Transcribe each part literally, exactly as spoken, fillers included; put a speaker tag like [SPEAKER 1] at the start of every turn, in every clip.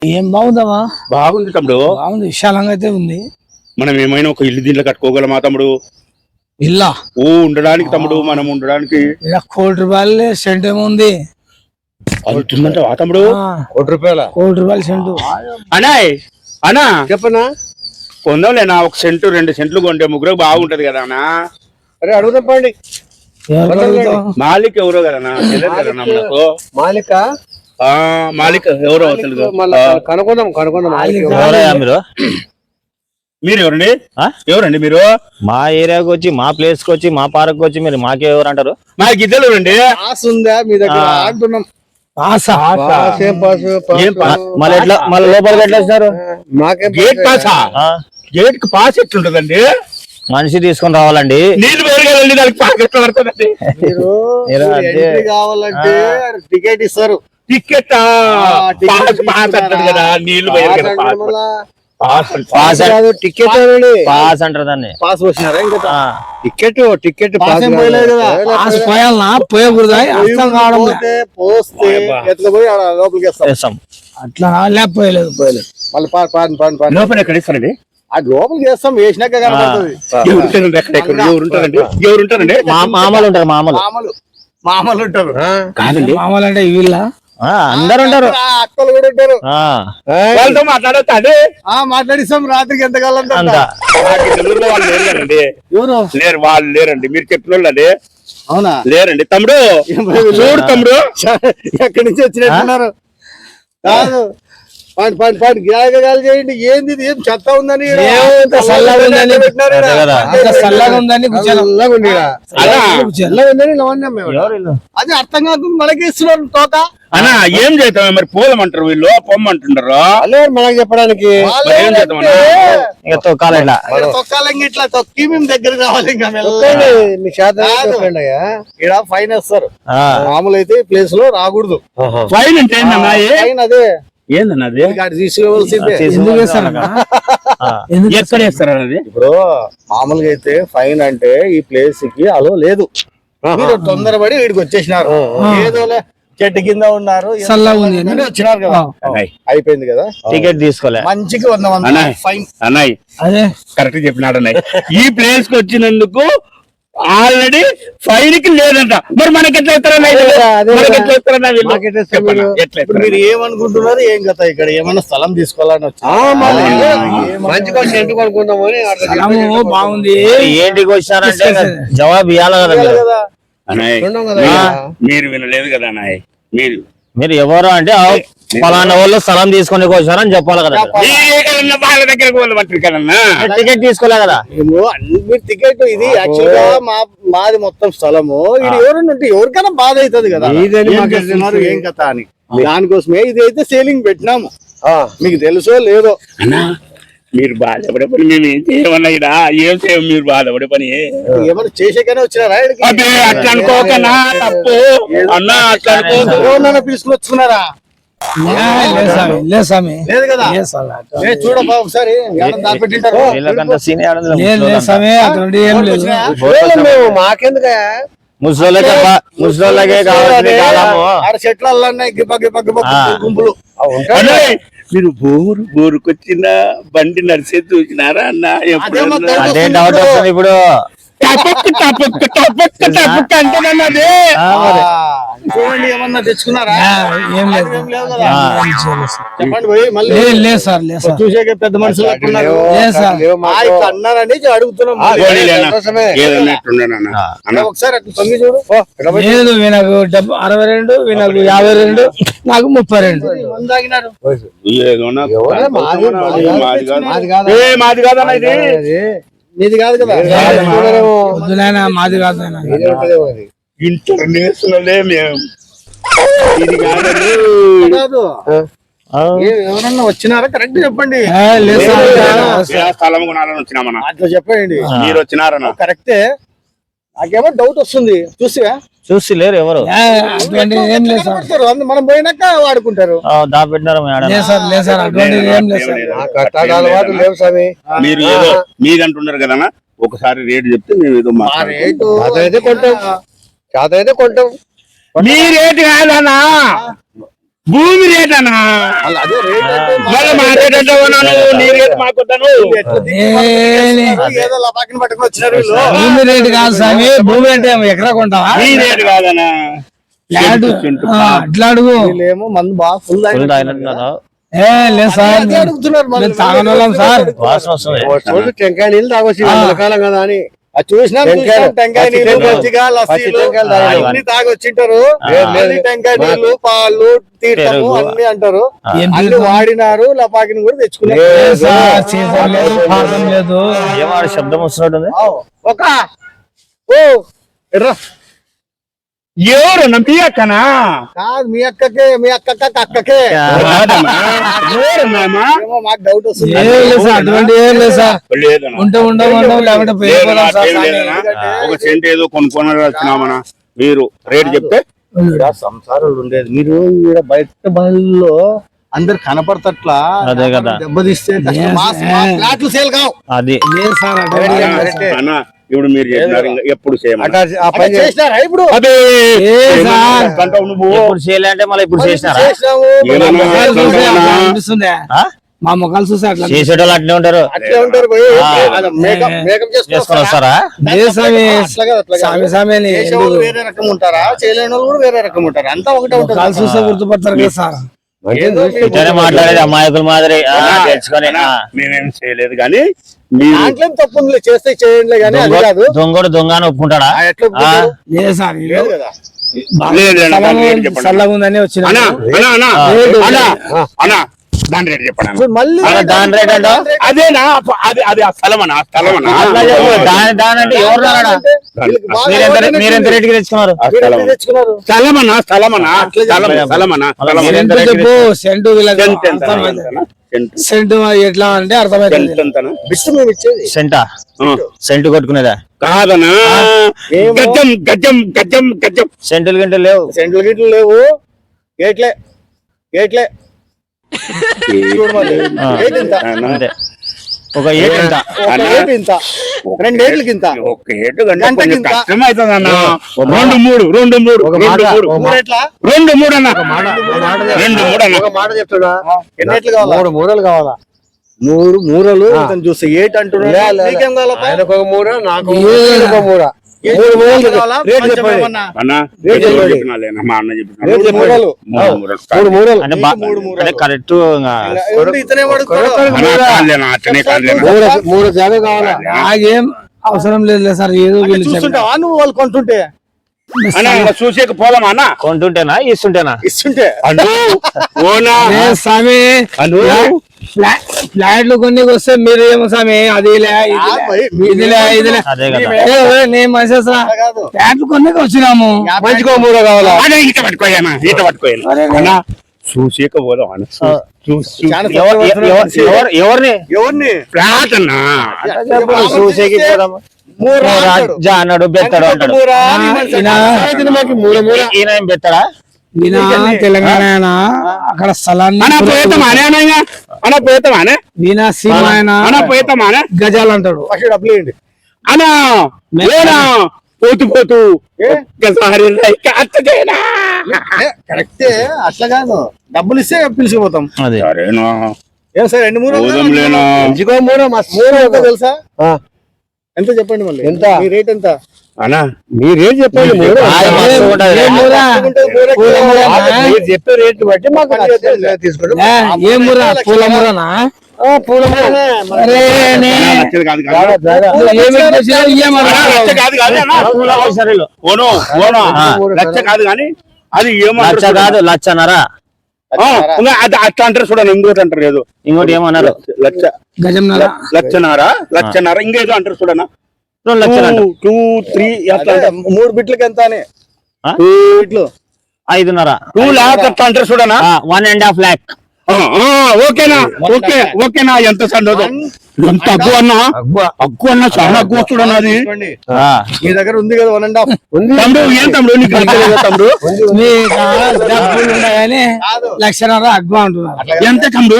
[SPEAKER 1] ఏం బాగుందమ్మా?
[SPEAKER 2] బాగుంది తమ్ముడు,
[SPEAKER 1] బాగుంది, విశాలంగా అయితే ఉంది.
[SPEAKER 2] మనం ఏమైనా ఒక ఇల్లు దీంట్లో కట్టుకోగలమా తమ్ముడు?
[SPEAKER 1] ఇల్లా
[SPEAKER 2] ఓ ఉండడానికి తమ్ముడు, మనం ఉండడానికి
[SPEAKER 1] ఇలా కోటి రూపాయలు సెంట్ ఏముంది
[SPEAKER 2] అవుతుందంట తమ్ముడు.
[SPEAKER 3] కోటి రూపాయల
[SPEAKER 1] కోటి రూపాయలు సెంటు.
[SPEAKER 2] అనాయ్ అనా
[SPEAKER 3] చెప్పనా,
[SPEAKER 2] కొందాంలేనా ఒక సెంటు రెండు సెంట్లు కొంటే ముగ్గురు బాగుంటది కదా అన్నా.
[SPEAKER 3] అరే అడుగుదాం పండి.
[SPEAKER 2] మాలిక్ ఎవరో కదనా, తెలియదు కదన్నా మనకు.
[SPEAKER 3] మాలిక
[SPEAKER 2] ఆ మాలిక్ ఎవరో తెలుగు.
[SPEAKER 3] కనుక్కుందాం కనుక్కుందాం.
[SPEAKER 4] మీరు
[SPEAKER 2] మీరు ఎవరండి? ఎవరండి మీరు?
[SPEAKER 4] మా ఏరియాకి వచ్చి మా ప్లేస్ కి వచ్చి మా పార్క్ వచ్చి మీరు మాకే ఎవరు అంటారు?
[SPEAKER 2] మా గిద్దలు రండి.
[SPEAKER 3] పాస్ ఉందా మీ దగ్గర అంటున్నాం.
[SPEAKER 4] మళ్ళీ ఎట్లా మళ్ళీ లోపలికి ఎట్లా వచ్చినారు?
[SPEAKER 3] మాకేం
[SPEAKER 2] గేట్ పాసా? గేట్ కి పాస్ ఎట్లుంటదండి?
[SPEAKER 4] మనిషి తీసుకొని రావాలండి.
[SPEAKER 2] నీళ్ళు పెరగాలండి, దానికి పాస్ ఎట్లా పడుతుందండి?
[SPEAKER 3] మీరు ఎంట్రీ కావాలంటే టికెట్ ఇస్తారు.
[SPEAKER 2] టికెట్ పాస్ అంటారు కదా, నీళ్లు
[SPEAKER 4] పాస్
[SPEAKER 3] టికెట్
[SPEAKER 4] పాస్ అంటారు దాన్ని.
[SPEAKER 3] పాస్ వచ్చినారా? ఇంకా టికెట్ టికెట్ పాస్
[SPEAKER 1] పోయాలనా పోయకూడదా? అర్థం కావడం
[SPEAKER 3] పోస్తే ఎత్తుకుపోయి లోపలికి వేస్తాం.
[SPEAKER 1] అట్లా లేకపోయలేదు పోయలేదు.
[SPEAKER 3] మళ్ళీ పాన్ పాన్ పాన్ పాన్
[SPEAKER 2] లోపల ఎక్కడ ఇస్తారండి?
[SPEAKER 3] అది లోపలికి వేస్తాం, వేసినాక కనపడుతుంది.
[SPEAKER 2] ఎవరుంటారండి? ఎవరుంటారండి?
[SPEAKER 4] మామూలు ఉంటారు. మామూలు
[SPEAKER 3] మామలు మామలు ఉంటారు
[SPEAKER 2] కాదండి,
[SPEAKER 1] మామూలు అంటే వీళ్ళ
[SPEAKER 4] అందరు ఉంటారు,
[SPEAKER 3] అక్కలు కూడా ఉంటారు.
[SPEAKER 2] వాళ్ళతో మాట్లాడతా అదే
[SPEAKER 3] మాట్లాడిస్తాం రాత్రికి ఎంత కాలం
[SPEAKER 4] అంత.
[SPEAKER 2] వాళ్ళు లేరు కదండి.
[SPEAKER 3] ఎవరు
[SPEAKER 2] లేరు, వాళ్ళు లేరండి. మీరు చెప్పిన వాళ్ళు అదే.
[SPEAKER 3] అవునా?
[SPEAKER 2] లేరండి తమ్ముడు, చూడు తమ్ముడు
[SPEAKER 3] ఎక్కడి నుంచి వచ్చినట్టున్నారు. కాదు పాండి పాండి పాండి గాలి చేయండి. ఏంది ఏం చెత్త ఉందని
[SPEAKER 1] చల్లగా ఉందని చల్లగా ఉందని
[SPEAKER 3] అది అర్థం కాకుండా మనకి ఇస్తున్నారు తోక.
[SPEAKER 2] అన్నా ఏం చేద్దాం మరి? పోలమంటారు వీళ్ళు, పొమ్మంటుంటారు
[SPEAKER 3] మనకి చెప్పడానికి. తొక్కాలంగా ఇట్లా తొక్కి మేము దగ్గరకు రావాలి. ఇక్కడ ఫైన్ వేస్తారు. మామూలు అయితే ఈ ప్లేస్ లో రాకూడదు.
[SPEAKER 2] ఫైన్ అంటే ఏందన్నా?
[SPEAKER 3] ఫైన్ అదే
[SPEAKER 2] ఏందన్నా అది?
[SPEAKER 3] తీసుకోవాల్సిందే.
[SPEAKER 2] ఎక్కడ వేస్తారు అది?
[SPEAKER 3] ఇప్పుడు మామూలుగా అయితే ఫైన్ అంటే ఈ ప్లేస్ కి అలో లేదు. మీరు తొందరపడి వీడికి వచ్చేసినారు, ఏదోలే చెట్టు కింద ఉన్నారు, వచ్చినారు కదా, అయిపోయింది కదా.
[SPEAKER 4] టికెట్ తీసుకోలే,
[SPEAKER 3] మంచికి వంద వంద ఫైన్.
[SPEAKER 2] అన్నయ్య
[SPEAKER 1] అదే
[SPEAKER 2] కరెక్ట్ చెప్పినాడు అన్నయ్య. ఈ ప్లేస్ కి వచ్చినందుకు ఆల్రెడీ ఫైన్ కి లేదంట. మరి మనకి ఎట్లా
[SPEAKER 3] మీరు ఏమనుకుంటున్నారు? ఏం కదా ఇక్కడ ఏమన్నా స్థలం తీసుకోవాలని వచ్చి
[SPEAKER 1] బాగుంది.
[SPEAKER 4] ఏంటికి వచ్చారంటే జవాబు ఇవ్వాలి కదా.
[SPEAKER 2] మీరు వినలేదు కదా అన్నయ్య. మీరు
[SPEAKER 4] మీరు ఎవరు అంటే పలానా వాళ్ళు స్థలం తీసుకొని వచ్చారని చెప్పాలి కదా.
[SPEAKER 2] వాళ్ళ దగ్గర
[SPEAKER 4] టికెట్ తీసుకోలే కదా
[SPEAKER 3] మీరు. టికెట్ ఇది యాక్చువల్ గా మా మాది మొత్తం స్థలము. ఇది ఎవరన్నా ఉంటే ఎవరికైనా బాధ అవుతుంది కదా, ఏం కథ అని. దానికోసమే ఇది అయితే సేలింగ్ పెట్టినాము. మీకు తెలుసో లేదో
[SPEAKER 2] అన్నా, మీరు బాధపడే పని మేము ఏం చేయమన్నా ఇక్కడ ఏం చేయం. మీరు బాధపడే పని
[SPEAKER 3] ఏమన్నా చేసేకనే వచ్చినారా?
[SPEAKER 2] అట్లా అనుకోకనా, తప్పు అన్నా. అట్లా అనుకో
[SPEAKER 3] తీసుకుని వచ్చుకున్నారా? లేదు కదా. చూడబ్బా ఒకసారి మాకెందుకు
[SPEAKER 4] ముసలోళ్ళకే ముసలోళ్ళకే కావాలి.
[SPEAKER 3] చెట్ల గిప్ప గిప్ప గిప్ప గుంపులు.
[SPEAKER 2] మీరు బోరు బోరుకొచ్చిన బండి నడిచే చూసినారా అన్న?
[SPEAKER 4] అదే డౌట్ వస్తుంది ఇప్పుడు.
[SPEAKER 3] చూడండి, ఏమన్నా తెచ్చుకున్నారా?
[SPEAKER 1] ఏం లేదు.
[SPEAKER 3] చెప్పండి పోయి మళ్ళీ.
[SPEAKER 1] లేదు సార్, లేదు సార్,
[SPEAKER 3] చూసాక పెద్ద మనుషులు అన్నారని అడుగుతున్నాం. ఒకసారి అట్లా తొమ్మిది చూడు.
[SPEAKER 1] లేదు, వీళ్ళకు డెబ్బై అరవై రెండు, వీళ్ళకు యాభై రెండు, నాకు ముప్పై రెండు.
[SPEAKER 2] మాది కాదన్నా ఇది.
[SPEAKER 3] నీది కాదు కదా.
[SPEAKER 1] మాది కాదు,
[SPEAKER 2] ఇంటర్నేషనల్. మేము ఇది కాదు.
[SPEAKER 3] ఎవరన్నా వచ్చినారా? కరెక్ట్ చెప్పండి.
[SPEAKER 2] స్థలం కొనాలని వచ్చినామన్నా,
[SPEAKER 3] అట్లా చెప్పండి.
[SPEAKER 2] మీరు వచ్చినారన్నా?
[SPEAKER 3] కరెక్టే. నాకేమో డౌట్ వస్తుంది. చూసి
[SPEAKER 4] చూసి లేరు ఎవరు.
[SPEAKER 3] మనం పోయినాక వాడుకుంటారు.
[SPEAKER 2] మీరు ఏదో మీదంటున్నారు కదా, ఒకసారి రేటు చెప్తే మేము ఏదో
[SPEAKER 3] అయితే కొంటాం. అయితే కొంటాం.
[SPEAKER 2] మీ రేటు కాదన్నా, భూమి రేట్ అన్నా
[SPEAKER 3] అలా అదే రేట్ అంటే
[SPEAKER 2] మళ్ళీ మా రేట్ అంటే ఉన్నాను నీ రేట్ మాకొద్దాను
[SPEAKER 3] ఎట్లా దిక్కుమాలిన ఏదో లపాకిని పట్టుకుని వచ్చినారు వీళ్ళు.
[SPEAKER 1] భూమి రేటు కాదు స్వామి, భూమి అంటే ఎకరా కొంటావా?
[SPEAKER 2] నీ రేట్ కాదనా
[SPEAKER 1] ల్యాండ్ ఆ, అట్లా అడుగు.
[SPEAKER 3] వీళ్ళేమో మందు బాగా ఫుల్
[SPEAKER 4] ఫుల్ తాగినట్టున్నారా?
[SPEAKER 1] ఏ లేదు సార్,
[SPEAKER 3] అదే అడుగుతున్నారు మళ్ళీ.
[SPEAKER 1] మేము తాగనోళ్ళం సార్.
[SPEAKER 4] వాసన వస్తుంది.
[SPEAKER 5] రోజు టెంకాయ నీళ్ళు తాగొచ్చు ఎండాకాలం కదా అని.
[SPEAKER 3] అది చూసినాం
[SPEAKER 5] టెంకాయలు,
[SPEAKER 3] చూసినాం, టెంకాయ
[SPEAKER 5] పచ్చి
[SPEAKER 3] నీళ్ళు
[SPEAKER 5] టెంకాయలు,
[SPEAKER 3] మజ్జిగ
[SPEAKER 5] పచ్చి
[SPEAKER 3] లస్సీలు
[SPEAKER 5] టెంకాయలు తాగాలి.
[SPEAKER 3] అన్ని తాగొచ్చింటారు.
[SPEAKER 4] ఆ.
[SPEAKER 3] మళ్ళీ టెంకాయ నీళ్ళు పాలు తీర్థము
[SPEAKER 4] పెరుగు.
[SPEAKER 3] అన్ని అంటారు.
[SPEAKER 1] ఏం
[SPEAKER 3] అన్ని
[SPEAKER 1] తీర్థం?
[SPEAKER 3] వాడినారు, లపాకిని కూడా తెచ్చుకున్నారు.
[SPEAKER 1] లేదు సార్, సీసం లేదు, పాదం లేదు.
[SPEAKER 4] ఏమో ఆడ శబ్దం వస్తున్నట్టుంది.
[SPEAKER 3] ఆవ్. ఒక ఓ ఎర్ర
[SPEAKER 2] ఎవరు మీ అక్కనా
[SPEAKER 3] కాదు మీ అక్కకే మీ అక్కక్క అక్కకే
[SPEAKER 2] కాదమ్మా. ఎవరు నాయనా?
[SPEAKER 3] ఏమో మాకు డౌట్ వస్తుంది.
[SPEAKER 1] ఏం లేదు సార్, అటువంటి ఏం లేదు సార్.
[SPEAKER 2] లేదన్నా.
[SPEAKER 1] ఉంటే ఉండవు ఉండవు, లేకుంటే
[SPEAKER 2] లేదన్నా,
[SPEAKER 1] పోయిపోదాం సార్.
[SPEAKER 2] ఏం లేదన్నా. ఒక సెంట్ ఏదో కొనుక్కొని వచ్చినామన్నా మీరు రేట్ చెప్తే
[SPEAKER 3] ఈడ సంసారాలు ఉండేది మీరు ఈడ బయట బయలులో అందరు కనపడతట్లా
[SPEAKER 4] అదే కదా.
[SPEAKER 3] దెబ్బతీస్తే కష్టం. మా- మా ఫ్లాట్లు సేల్ కావు.
[SPEAKER 4] అది
[SPEAKER 1] లేదు సార్, అటువంటి ఏం లేదు సార్.
[SPEAKER 2] అన్నా ఇప్పుడు మీరు చెప్పినారు ఇంకా ఎప్పుడు చేయమన్నా
[SPEAKER 5] అట్లా ఆ
[SPEAKER 3] అట్లా
[SPEAKER 5] పని చేసి-
[SPEAKER 3] చేసినారా ఇప్పుడు
[SPEAKER 2] అదే
[SPEAKER 1] ఏ సార్,
[SPEAKER 2] అంటావు నువ్వు
[SPEAKER 4] ఇప్పుడు చేయాలంటే మళ్ళీ ఇప్పుడు చేసినారా?
[SPEAKER 3] చేసినాము.
[SPEAKER 2] ఏమన్నా?
[SPEAKER 1] ముఖాలు చూస్తే
[SPEAKER 2] అవునా?
[SPEAKER 1] అట్లా అనిపిస్తుందా?
[SPEAKER 4] ఆ?
[SPEAKER 1] మా ముఖాలు చూస్తే అట్లా
[SPEAKER 4] చేసేటోళ్ళు అట్నే ఉంటారు.
[SPEAKER 3] అట్లే ఉంటారు పోయి
[SPEAKER 4] ఆ.
[SPEAKER 3] అది మేకప్ మేకప్
[SPEAKER 4] చేసుకొని
[SPEAKER 3] చేసుకొని
[SPEAKER 4] వస్తారా?
[SPEAKER 1] లేదు స్వామి,
[SPEAKER 3] అట్లా కాదు, అట్లా కాదు.
[SPEAKER 1] స్వామి స్వామి అని
[SPEAKER 3] చేసేవాళ్ళు వేరే రకం ఉంటారా, చేయలేని వాళ్ళు కూడా వేరే రకం ఉంటారు. అంతా ఒకటే
[SPEAKER 1] ముఖాలు
[SPEAKER 3] ఉంటుంది.
[SPEAKER 1] చూస్తే గుర్తుపడతారు కదా సార్.
[SPEAKER 3] ఏదో మీరు
[SPEAKER 4] ఇట్లనే మాట్లాడేది అమాయకుల మాదిరి ఆ, తెచ్చుకొని ఆ.
[SPEAKER 2] మేమేం చేయలేదు కానీ మీరు
[SPEAKER 3] దాంట్లో ఏం తప్పు ఉందిలే, చేస్తే చేయండి కానీ అది
[SPEAKER 4] దొంగ-
[SPEAKER 3] కాదు.
[SPEAKER 4] దొంగోడు దొంగ అని ఒప్పుకుంటాడా?
[SPEAKER 3] ఆ, ఎట్లా ఒప్పుకుంటారు?
[SPEAKER 1] లేదు సార్,
[SPEAKER 3] లేదు కదా.
[SPEAKER 2] లేదు, లేదు, దాని రేట్ చెప్పండి.
[SPEAKER 1] చల్లగా ఉందని వచ్చిన
[SPEAKER 2] అన్నా అన్నా అన్నా
[SPEAKER 4] ఆ.
[SPEAKER 2] అన్నా అన్నా దాని రేట్ చెప్పండి అన్నా.
[SPEAKER 3] ఇప్పుడు మళ్ళీ
[SPEAKER 4] అలా దాని రేట్ అంటావా?
[SPEAKER 2] అదేనా అది అది ఆ స్థలం అన్నా ఆ స్థలం అన్నా
[SPEAKER 4] అట్లా చెప్పు. దాని దాని అంటే ఎవరు రాడా?
[SPEAKER 3] వీళ్ళకి బాగా
[SPEAKER 4] మీరెంత
[SPEAKER 3] అలవాటైన
[SPEAKER 4] మీరెంత
[SPEAKER 3] చూడు.
[SPEAKER 4] రేటుకి తెచ్చుకున్నారు?
[SPEAKER 2] ఆ
[SPEAKER 3] మీరు
[SPEAKER 2] స్థలం
[SPEAKER 3] ఎట్లా తెచ్చుకున్నారు?
[SPEAKER 2] స్థలం అన్నా స్థలం అన్నా స్థలం స్థలం అన్నా స్థలం అన్నా.
[SPEAKER 1] సెంటు చెప్పు, సెంటు వీళ్ళకి
[SPEAKER 2] సెంట్ ఎంత అన్నా?
[SPEAKER 1] అర్థమైంది.
[SPEAKER 2] ఎంత అన్నా? సెంట్
[SPEAKER 1] సెంటు ఎట్లా అంటే అర్థమైంది.
[SPEAKER 2] సెంట్ ఎంతనా?
[SPEAKER 3] బిట్టు మేము ఇచ్చేది
[SPEAKER 4] సెంటా?
[SPEAKER 2] ఆ.
[SPEAKER 4] సెంటు కొట్టుకునేదా?
[SPEAKER 2] కాదనా
[SPEAKER 3] ఏమో.
[SPEAKER 2] గజం గజం గజం గజం
[SPEAKER 4] సెంటులు గంటలు లేవు.
[SPEAKER 3] సెంట్లు గిట్లు లేవు. గేట్లే గేట్లే చూడు మరి.
[SPEAKER 4] ఆ.
[SPEAKER 3] గేట్ ఇంత.
[SPEAKER 4] అంతే. ఒక ఏడు ఎంత?
[SPEAKER 3] ఒక
[SPEAKER 2] అన్నా.
[SPEAKER 3] గేట్ ఇంత. రెండేట్లకి ఇంత.
[SPEAKER 2] ఒక ఏటు గంట
[SPEAKER 3] గంటకి
[SPEAKER 2] కొంచెం
[SPEAKER 3] ఇంత.
[SPEAKER 2] కష్టం అవుతుంది అన్న రెండు మూడు రెండు మూడు
[SPEAKER 5] ఒక
[SPEAKER 2] రెండు
[SPEAKER 5] మాట,
[SPEAKER 2] మూడు
[SPEAKER 5] ఒక
[SPEAKER 3] మూడు ఎట్లా?
[SPEAKER 2] రెండు మూడు అన్న
[SPEAKER 5] ఒక మాట
[SPEAKER 2] రెండు మూడు అన్న
[SPEAKER 5] ఒక మాట చెప్తున్నా,
[SPEAKER 3] ఎన్ని ఎట్లు కావాలా?
[SPEAKER 5] మూడు మూరలు కావాలా?
[SPEAKER 3] మూడు మూరలు ఇతను చూస్తే ఏట్ అంటున్నాడు.
[SPEAKER 5] లే, లే, లే.
[SPEAKER 3] నీకేం కావాలప్పా?
[SPEAKER 5] ఆయనకు ఒక మూర, నాకు ఒక మూర, ఈయనకు ఒక మూర.
[SPEAKER 3] ఏట్
[SPEAKER 5] మూడు మూరలు
[SPEAKER 3] కావాలా?
[SPEAKER 5] రేట్
[SPEAKER 3] కొంచెం
[SPEAKER 5] చెప్పండి.
[SPEAKER 3] ఏమన్నా?
[SPEAKER 2] అన్న
[SPEAKER 5] రేట్
[SPEAKER 2] ఎవరు
[SPEAKER 5] చెప్పండి.
[SPEAKER 2] చెప్పినాలేనా? మా అన్న చెప్పినాడు.
[SPEAKER 5] రేట్ చెప్పండి.
[SPEAKER 3] మూరలు.
[SPEAKER 2] మూడు మూడు
[SPEAKER 5] మూడు మూరలు.
[SPEAKER 4] అంటే బా-
[SPEAKER 3] మూడు మూరలు.
[SPEAKER 4] అంటే కరెక్ట్
[SPEAKER 3] ఇంకా ఎవరు ఇతనే వాడుకోడు.
[SPEAKER 2] అన్న కాదులేనా, అట్లనే కాదులేనా.
[SPEAKER 5] మూర మూర జాగా కావాలా?
[SPEAKER 1] నాకేం అవసరం లేదు సార్, ఏదో
[SPEAKER 3] అంటే
[SPEAKER 1] వీళ్ళు చెప్పారు.
[SPEAKER 3] చూస్తుంటావా నువ్వు వాళ్ళు కొంటుంటే?
[SPEAKER 2] అన్న ఇంకా చూసేకి పోదామా అన్న
[SPEAKER 4] కొంటుంటేనా ఇస్తుంటేనా?
[SPEAKER 3] ఇస్తుంటే
[SPEAKER 2] అను ఓనా
[SPEAKER 1] ఏ స్వామి,
[SPEAKER 2] అను
[SPEAKER 1] ఫ్లా- ఫ్లాట్లు కొన్ని వస్తే మీరు ఏమో స్వామి అది లే, ఇది
[SPEAKER 3] ఆ,
[SPEAKER 1] లే,
[SPEAKER 3] భయ్,
[SPEAKER 1] ఇది లే, ఇది లే.
[SPEAKER 4] అదే కదా.
[SPEAKER 1] ఏ, ఏ, నేను మనిషి
[SPEAKER 3] అట్లా కాదు.
[SPEAKER 1] ఫ్లాట్లు కొన్ని వచ్చినాము.
[SPEAKER 5] మంచిగా మూర కావాలా?
[SPEAKER 2] అన్న ఈత పట్టుకోయానా ఈత పట్టుకోయాను అన్న చూసేక పోదాం అన్న చూ- చూ-
[SPEAKER 3] చాలా
[SPEAKER 2] చూ-
[SPEAKER 4] ఎవరు-
[SPEAKER 3] తక్కువ
[SPEAKER 4] ఎవరు-
[SPEAKER 3] వస్తుంది.
[SPEAKER 4] ఎవరు- ఎవరిని
[SPEAKER 3] ఎవరిని?
[SPEAKER 2] ఫ్లాట్ అన్న
[SPEAKER 3] బాగా
[SPEAKER 4] చూసేకి
[SPEAKER 3] చూస్తే
[SPEAKER 4] పోదామా?
[SPEAKER 3] మూర
[SPEAKER 4] మూర
[SPEAKER 3] అంటాడు.
[SPEAKER 4] జా అన్నాడు, బెత్తాడు
[SPEAKER 3] ఒక
[SPEAKER 4] అంటాడు.
[SPEAKER 3] మూర,
[SPEAKER 1] ఆ,
[SPEAKER 3] నీ మనిషి
[SPEAKER 1] ఈయన-
[SPEAKER 3] అంటాడు.
[SPEAKER 5] మాకు మూర మూర.
[SPEAKER 4] ఈయన ఏం బెత్తాడా?
[SPEAKER 1] ఈయన తెలంగాణ ఆయన, అక్కడ స్థలాన్ని
[SPEAKER 2] అన్న పోయేతామానే అన్న ఇంకా? అన్న పోయేతామానే
[SPEAKER 1] ఈయన సీమ ఆయన
[SPEAKER 2] అన్న పోయేతామానే
[SPEAKER 1] గజాలు అంటాడు.
[SPEAKER 3] ఫస్ట్ డబ్బులు ఇవ్వండి.
[SPEAKER 2] అన్న లేనా పోతూ పోతూ
[SPEAKER 3] ఏ?
[SPEAKER 2] ఒక్కసారి లైక్ అత్త చేయనా
[SPEAKER 3] ఏ, కరెక్టే, అట్లా కాదు. డబ్బులు ఇస్తే పిలిచిపోతాం.
[SPEAKER 4] అది
[SPEAKER 2] సరేనా
[SPEAKER 3] ఏం సార్ రెండు మూడు
[SPEAKER 2] పోదాంలేనా
[SPEAKER 5] మంచిగా మూర మస్తు
[SPEAKER 3] మూడు
[SPEAKER 5] మూర
[SPEAKER 3] ఎంత తెలుసా?
[SPEAKER 5] ఆ,
[SPEAKER 3] ఎంత చెప్పండి మళ్ళీ.
[SPEAKER 5] ఎంత?
[SPEAKER 3] మీ రేట్ ఎంత?
[SPEAKER 2] అన్న
[SPEAKER 5] మీరు రేట్ చెప్పండి మూర.
[SPEAKER 4] ఆయన మస్తు ఉంటది.
[SPEAKER 1] ఏ మూర?
[SPEAKER 3] ఉంటుంది, మూర
[SPEAKER 1] పూల
[SPEAKER 3] కిలో.
[SPEAKER 1] మూర.
[SPEAKER 5] ఆ, మీరు చెప్పే రేట్ బట్టి మాకు
[SPEAKER 3] పని
[SPEAKER 5] నచ్చితే
[SPEAKER 3] చేద్దాం.
[SPEAKER 5] తీసుకుంటాం.
[SPEAKER 1] ఏ, ఏ ముర? పూల మురనా?
[SPEAKER 5] ఆ, పూల మూర.
[SPEAKER 1] అరే, నే-
[SPEAKER 2] అన్న, లక్షలు కాదు కాదు
[SPEAKER 5] జాగా, జాగా.
[SPEAKER 1] నువ్వు ఏమి తెచ్చినావు? ఇయ్యమను.
[SPEAKER 2] అన్న, లక్ష కాదు కాదు అన్న
[SPEAKER 4] సరేలో.
[SPEAKER 2] ఓనో ఓనో
[SPEAKER 4] ఆ.
[SPEAKER 2] లక్ష కాదు కానీ అది
[SPEAKER 4] లచ్చ
[SPEAKER 2] ఏమంటారు
[SPEAKER 4] కాదు లచ్చన్నారా?
[SPEAKER 2] ఆ, ఇంకా అది అట్లా అంటారు చూడండి ఇంకోటి అంటారు ఏదో
[SPEAKER 4] ఇంకోటి ఏమన్నారు?
[SPEAKER 2] లక్ష
[SPEAKER 1] గజం నర.
[SPEAKER 2] లక్షనారా లక్షనారా ఇంకేదో అంటారు చూడన్నా
[SPEAKER 4] రెండు లక్షలు అంట.
[SPEAKER 2] టూ త్రీ అట్లా
[SPEAKER 3] అదే,
[SPEAKER 2] అంటారు
[SPEAKER 3] మూడు బిట్లకి ఎంత అని?
[SPEAKER 4] ఆ?
[SPEAKER 3] టూ బిట్లు.
[SPEAKER 4] ఐదున్నర.
[SPEAKER 2] టూ లాక్ అట్లా అంటారు చూడన్నా
[SPEAKER 4] వన్ అండ్ హాఫ్ ల్యాక్.
[SPEAKER 2] ఆ, ఆ, ఓకేనా ఓకే ఓకేనా ఎంత సండోదు ఎంత అగ్గు అన్నా అగ్గు అన్నా చాలా అగ్గు వస్తుడన్నా అది
[SPEAKER 3] తీసుకోండి.
[SPEAKER 4] ఆ,
[SPEAKER 3] మీ దగ్గర ఉంది కదా వన్ అండ్ హాఫ్.
[SPEAKER 5] ఉంది.
[SPEAKER 2] తమ్ముడు ఏం తమ్ముడు నీకు తెలియదు తమ్ముడు
[SPEAKER 1] నీ కాడ డబ్బులు ఉన్నాయని
[SPEAKER 3] కాదు.
[SPEAKER 1] లక్షన్నర అగ్గు అంటున్నారు.
[SPEAKER 3] అట్లా కాదు.
[SPEAKER 2] ఎంత తమ్ముడు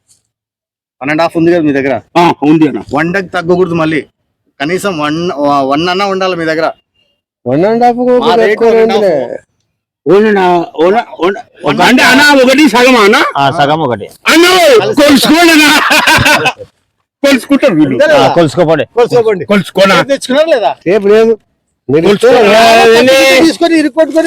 [SPEAKER 3] వన్ అండ్ హాఫ్ ఉంది కదా మీ దగ్గర.
[SPEAKER 2] ఆ, ఉంది అన్న
[SPEAKER 3] వండకి తగ్గకూడదు మళ్ళీ. కనీసం వన్ వన్ అన్న ఉండాలి మీ దగ్గర.
[SPEAKER 5] వన్ అండ్ హాఫ్
[SPEAKER 3] మా రేట్
[SPEAKER 5] ఎక్కువ
[SPEAKER 3] వన్ అండ్
[SPEAKER 5] ఉందిలే.
[SPEAKER 3] హాఫ్.
[SPEAKER 2] ఓనా ఓనా ఓనా ఒక అంటే అన్న ఒకటి సగం అన్న
[SPEAKER 4] ఆ, సగం ఒకటి
[SPEAKER 2] అన్న కొలుసుకోండి కొలుసుకుంటారు వీళ్ళు
[SPEAKER 4] ఆ, కొలుసుకోపండి
[SPEAKER 3] కొలుసుకోండి
[SPEAKER 2] కొలుసుకోనా
[SPEAKER 3] తెచ్చుకున్నారు లేదా
[SPEAKER 5] రేపు లేదు మీరు ఇస్తే
[SPEAKER 3] తీసుకొని ఇరుక్కొట్టుకొని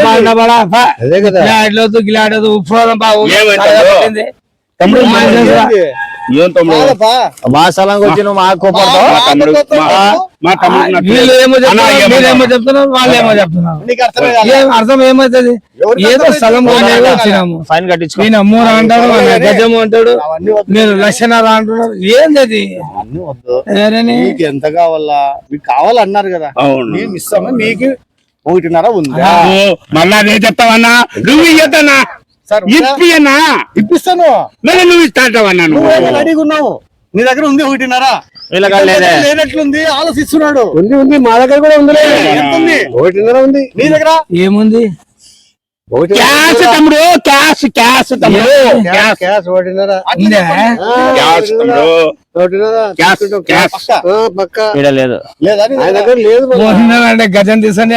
[SPEAKER 5] అదే కదా
[SPEAKER 1] గిలాడలేదు గిలాడదు ఉప్పు బాబు
[SPEAKER 2] ఏమైంది? తమ్ముడు
[SPEAKER 3] ఏంది?
[SPEAKER 2] ఏం తమ్ముడు
[SPEAKER 3] కాదప్పా.
[SPEAKER 4] మా స్థలంకి వచ్చి నువ్వు మాకు కోపడతావు
[SPEAKER 2] మా తమ్ముడు మా- మా తమ్ముడు నచ్చలేదు.
[SPEAKER 1] వీళ్ళు ఏమో
[SPEAKER 2] అన్న,
[SPEAKER 1] చెప్తున్నారు
[SPEAKER 2] ఏమన్నా?
[SPEAKER 1] మీరేమో చెప్తున్నారు వాళ్ళు ఏమో చెప్తున్నారు
[SPEAKER 3] నీకు అర్థమే కాదా?
[SPEAKER 1] ఏం అర్థం ఏమవుతుంది
[SPEAKER 3] ఎవరికి
[SPEAKER 1] ఏదో
[SPEAKER 3] అర్థమైంది?
[SPEAKER 1] స్థలం కొనేది
[SPEAKER 3] ఎవరికి
[SPEAKER 1] వచ్చినాము
[SPEAKER 4] ఫైన్ కట్టించుకో
[SPEAKER 1] ఈయన మూడు అంటాడు ఆయన గజము అంటాడు
[SPEAKER 3] అవన్నీ వద్దు.
[SPEAKER 1] మీరు లక్షన్నర అంటున్నారు ఏంది అది
[SPEAKER 3] అవన్నీ వద్దు.
[SPEAKER 1] ఏరని?
[SPEAKER 3] మీకు ఎంత కావాలా మీకు కావాలన్నారు కదా
[SPEAKER 2] అవును.
[SPEAKER 3] మేము ఇస్తాము మీకు ఒకటిన్నర ఉందా
[SPEAKER 2] ఓ, మళ్ళా అదే చెప్తావన్నా నువ్వు ఇయ్యద్దన్నా
[SPEAKER 3] సార్ ఉందా?
[SPEAKER 2] ఇప్పియన్నా
[SPEAKER 3] ఇప్పిస్తాను
[SPEAKER 2] మళ్ళీ నువ్వు ఇస్తాంటావన్నా నువ్వు
[SPEAKER 3] నువ్వు రెడీగా ఉన్నావు నీ దగ్గర ఉంది ఒకటిన్నర
[SPEAKER 4] వీళ్ళకి లేదే.
[SPEAKER 3] లేనట్లుంది ఆలోచిస్తున్నాడు
[SPEAKER 5] ఉంది ఉంది మా దగ్గర కూడా ఉంది
[SPEAKER 3] ఎంత ఉంది
[SPEAKER 5] ఒకటిన్నర ఉంది
[SPEAKER 3] నీ దగ్గర
[SPEAKER 1] ఏముంది
[SPEAKER 5] ఒకటి
[SPEAKER 2] క్యాష్ తమ్ముడు క్యాష్ క్యాష్ తమ్ముడు
[SPEAKER 5] క్యాష్ క్యాష్ ఒకటిన్నర
[SPEAKER 1] ఉందా?
[SPEAKER 5] ఆ,
[SPEAKER 2] క్యాష్ తమ్ముడు
[SPEAKER 5] ఒకటిన్నర
[SPEAKER 2] క్యాష్
[SPEAKER 5] తీసుకుంటాం.
[SPEAKER 2] క్యాష్
[SPEAKER 3] పక్క
[SPEAKER 5] ఆ, పక్క
[SPEAKER 4] ఈడ లేదు
[SPEAKER 3] లేదా నీ
[SPEAKER 5] ఆయన
[SPEAKER 3] దగ్గర?
[SPEAKER 5] దగ్గర లేదు మరి.
[SPEAKER 1] మోహన్ అంటే గజం తీసుకొని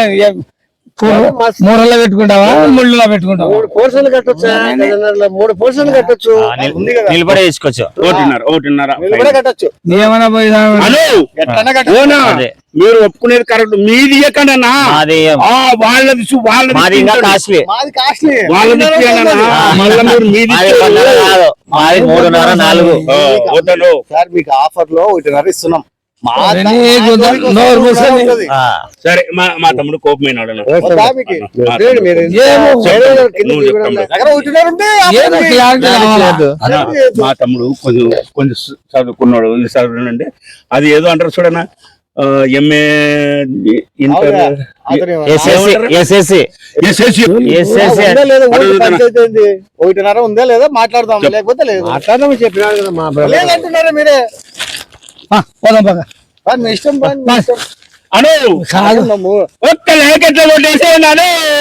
[SPEAKER 1] మూరల్లో పెట్టుకుంటావా ముళ్ళులో పెట్టుకుంటావా
[SPEAKER 5] మూడు పోర్షన్లు కట్టొచ్చు గజన్నరలో మూడు పోర్షన్లు కట్టొచ్చు
[SPEAKER 4] ఆ, నిల్-
[SPEAKER 3] ఉంది కదా.
[SPEAKER 4] నిలబడే తీసుకోవచ్చు
[SPEAKER 2] ఒకటిన్నర ఒకటిన్నర
[SPEAKER 3] వీళ్ళు కూడా కట్టొచ్చు
[SPEAKER 1] ఏమైనా పోయి
[SPEAKER 2] హలో
[SPEAKER 3] ఎట్లన్నా కట్టొచ్చు
[SPEAKER 2] ఓనా
[SPEAKER 4] అదే.
[SPEAKER 2] మీరు ఒప్పుకునేది కరెక్ట్ మీది ఇయ్యకండన్నా
[SPEAKER 4] మాది
[SPEAKER 2] ఆ, వాళ్ళది సు- వాళ్ళది
[SPEAKER 4] మాది ఇంకా
[SPEAKER 2] తింటాడు.
[SPEAKER 4] కాస్ట్లీ
[SPEAKER 3] మాది కాస్ట్లీ
[SPEAKER 2] వాళ్ళది ఇచ్చేయనన్నా. మళ్ళా మీరు మీది
[SPEAKER 4] మాది
[SPEAKER 2] ఇచ్చేది.
[SPEAKER 4] పన్నెండు కాదు మాది మూడున్నర నాలుగు
[SPEAKER 2] ఆ, వద్దను.
[SPEAKER 3] సార్ మీకు ఆఫర్ లో ఒకటిన్నర ఇస్తున్నాం మా
[SPEAKER 1] అరే,
[SPEAKER 3] మా
[SPEAKER 1] నీకు
[SPEAKER 3] జోలికి వస్తే
[SPEAKER 1] నోరు
[SPEAKER 3] ఒకటిన్నర
[SPEAKER 1] మూసుకొని.
[SPEAKER 3] ఉంటుంది.
[SPEAKER 4] ఆ,
[SPEAKER 2] సరే మా మా తమ్ముడు కోపమైనాడు అన్న.
[SPEAKER 3] వద్దా మీకు?
[SPEAKER 2] మా
[SPEAKER 5] లేదు, మీరు
[SPEAKER 2] తమ్ముడు.
[SPEAKER 1] ఏమో
[SPEAKER 5] వేరే వాళ్ళ కింద
[SPEAKER 2] నువ్వు
[SPEAKER 5] దిగడం
[SPEAKER 2] చెప్తాను.
[SPEAKER 5] లేదు.
[SPEAKER 3] దగ్గర ఒకటిన్నర ఉంటే
[SPEAKER 1] ఏదో క్లారిటీ కావాలా?
[SPEAKER 2] అన్న, మా తమ్ముడు కొంచెం కొంచెం చదువుకున్నాడు ఈ చదువునండి అది ఏదో అంటారు చూడనా ఎంఏ ఇంటర్
[SPEAKER 3] అవునా? అతను
[SPEAKER 4] ఎస్ఎస్సి ఎస్ఎస్సి
[SPEAKER 2] ఎస్ఎస్సి
[SPEAKER 4] ఎస్ఎస్సి
[SPEAKER 3] ఉందా లేదా ఊరికి
[SPEAKER 2] అడుగుతున్నా.
[SPEAKER 3] పంచాయతీ ఏంది? ఒకటిన్నర ఉందా లేదా మాట్లాడదాం లేకపోతే లేదు
[SPEAKER 5] మాట్లాడమని చెప్పినాడు కదా మా బ్రదర్
[SPEAKER 3] లేదంటున్నారా మీరే
[SPEAKER 1] ఆ, పోదాం పద.
[SPEAKER 3] పని మీ ఇష్టం పని మీ ఇష్టం.
[SPEAKER 2] అను
[SPEAKER 1] కాదు
[SPEAKER 3] నమ్ము.
[SPEAKER 2] ఒక్క లేకెట్ల కొట్టేసేనాను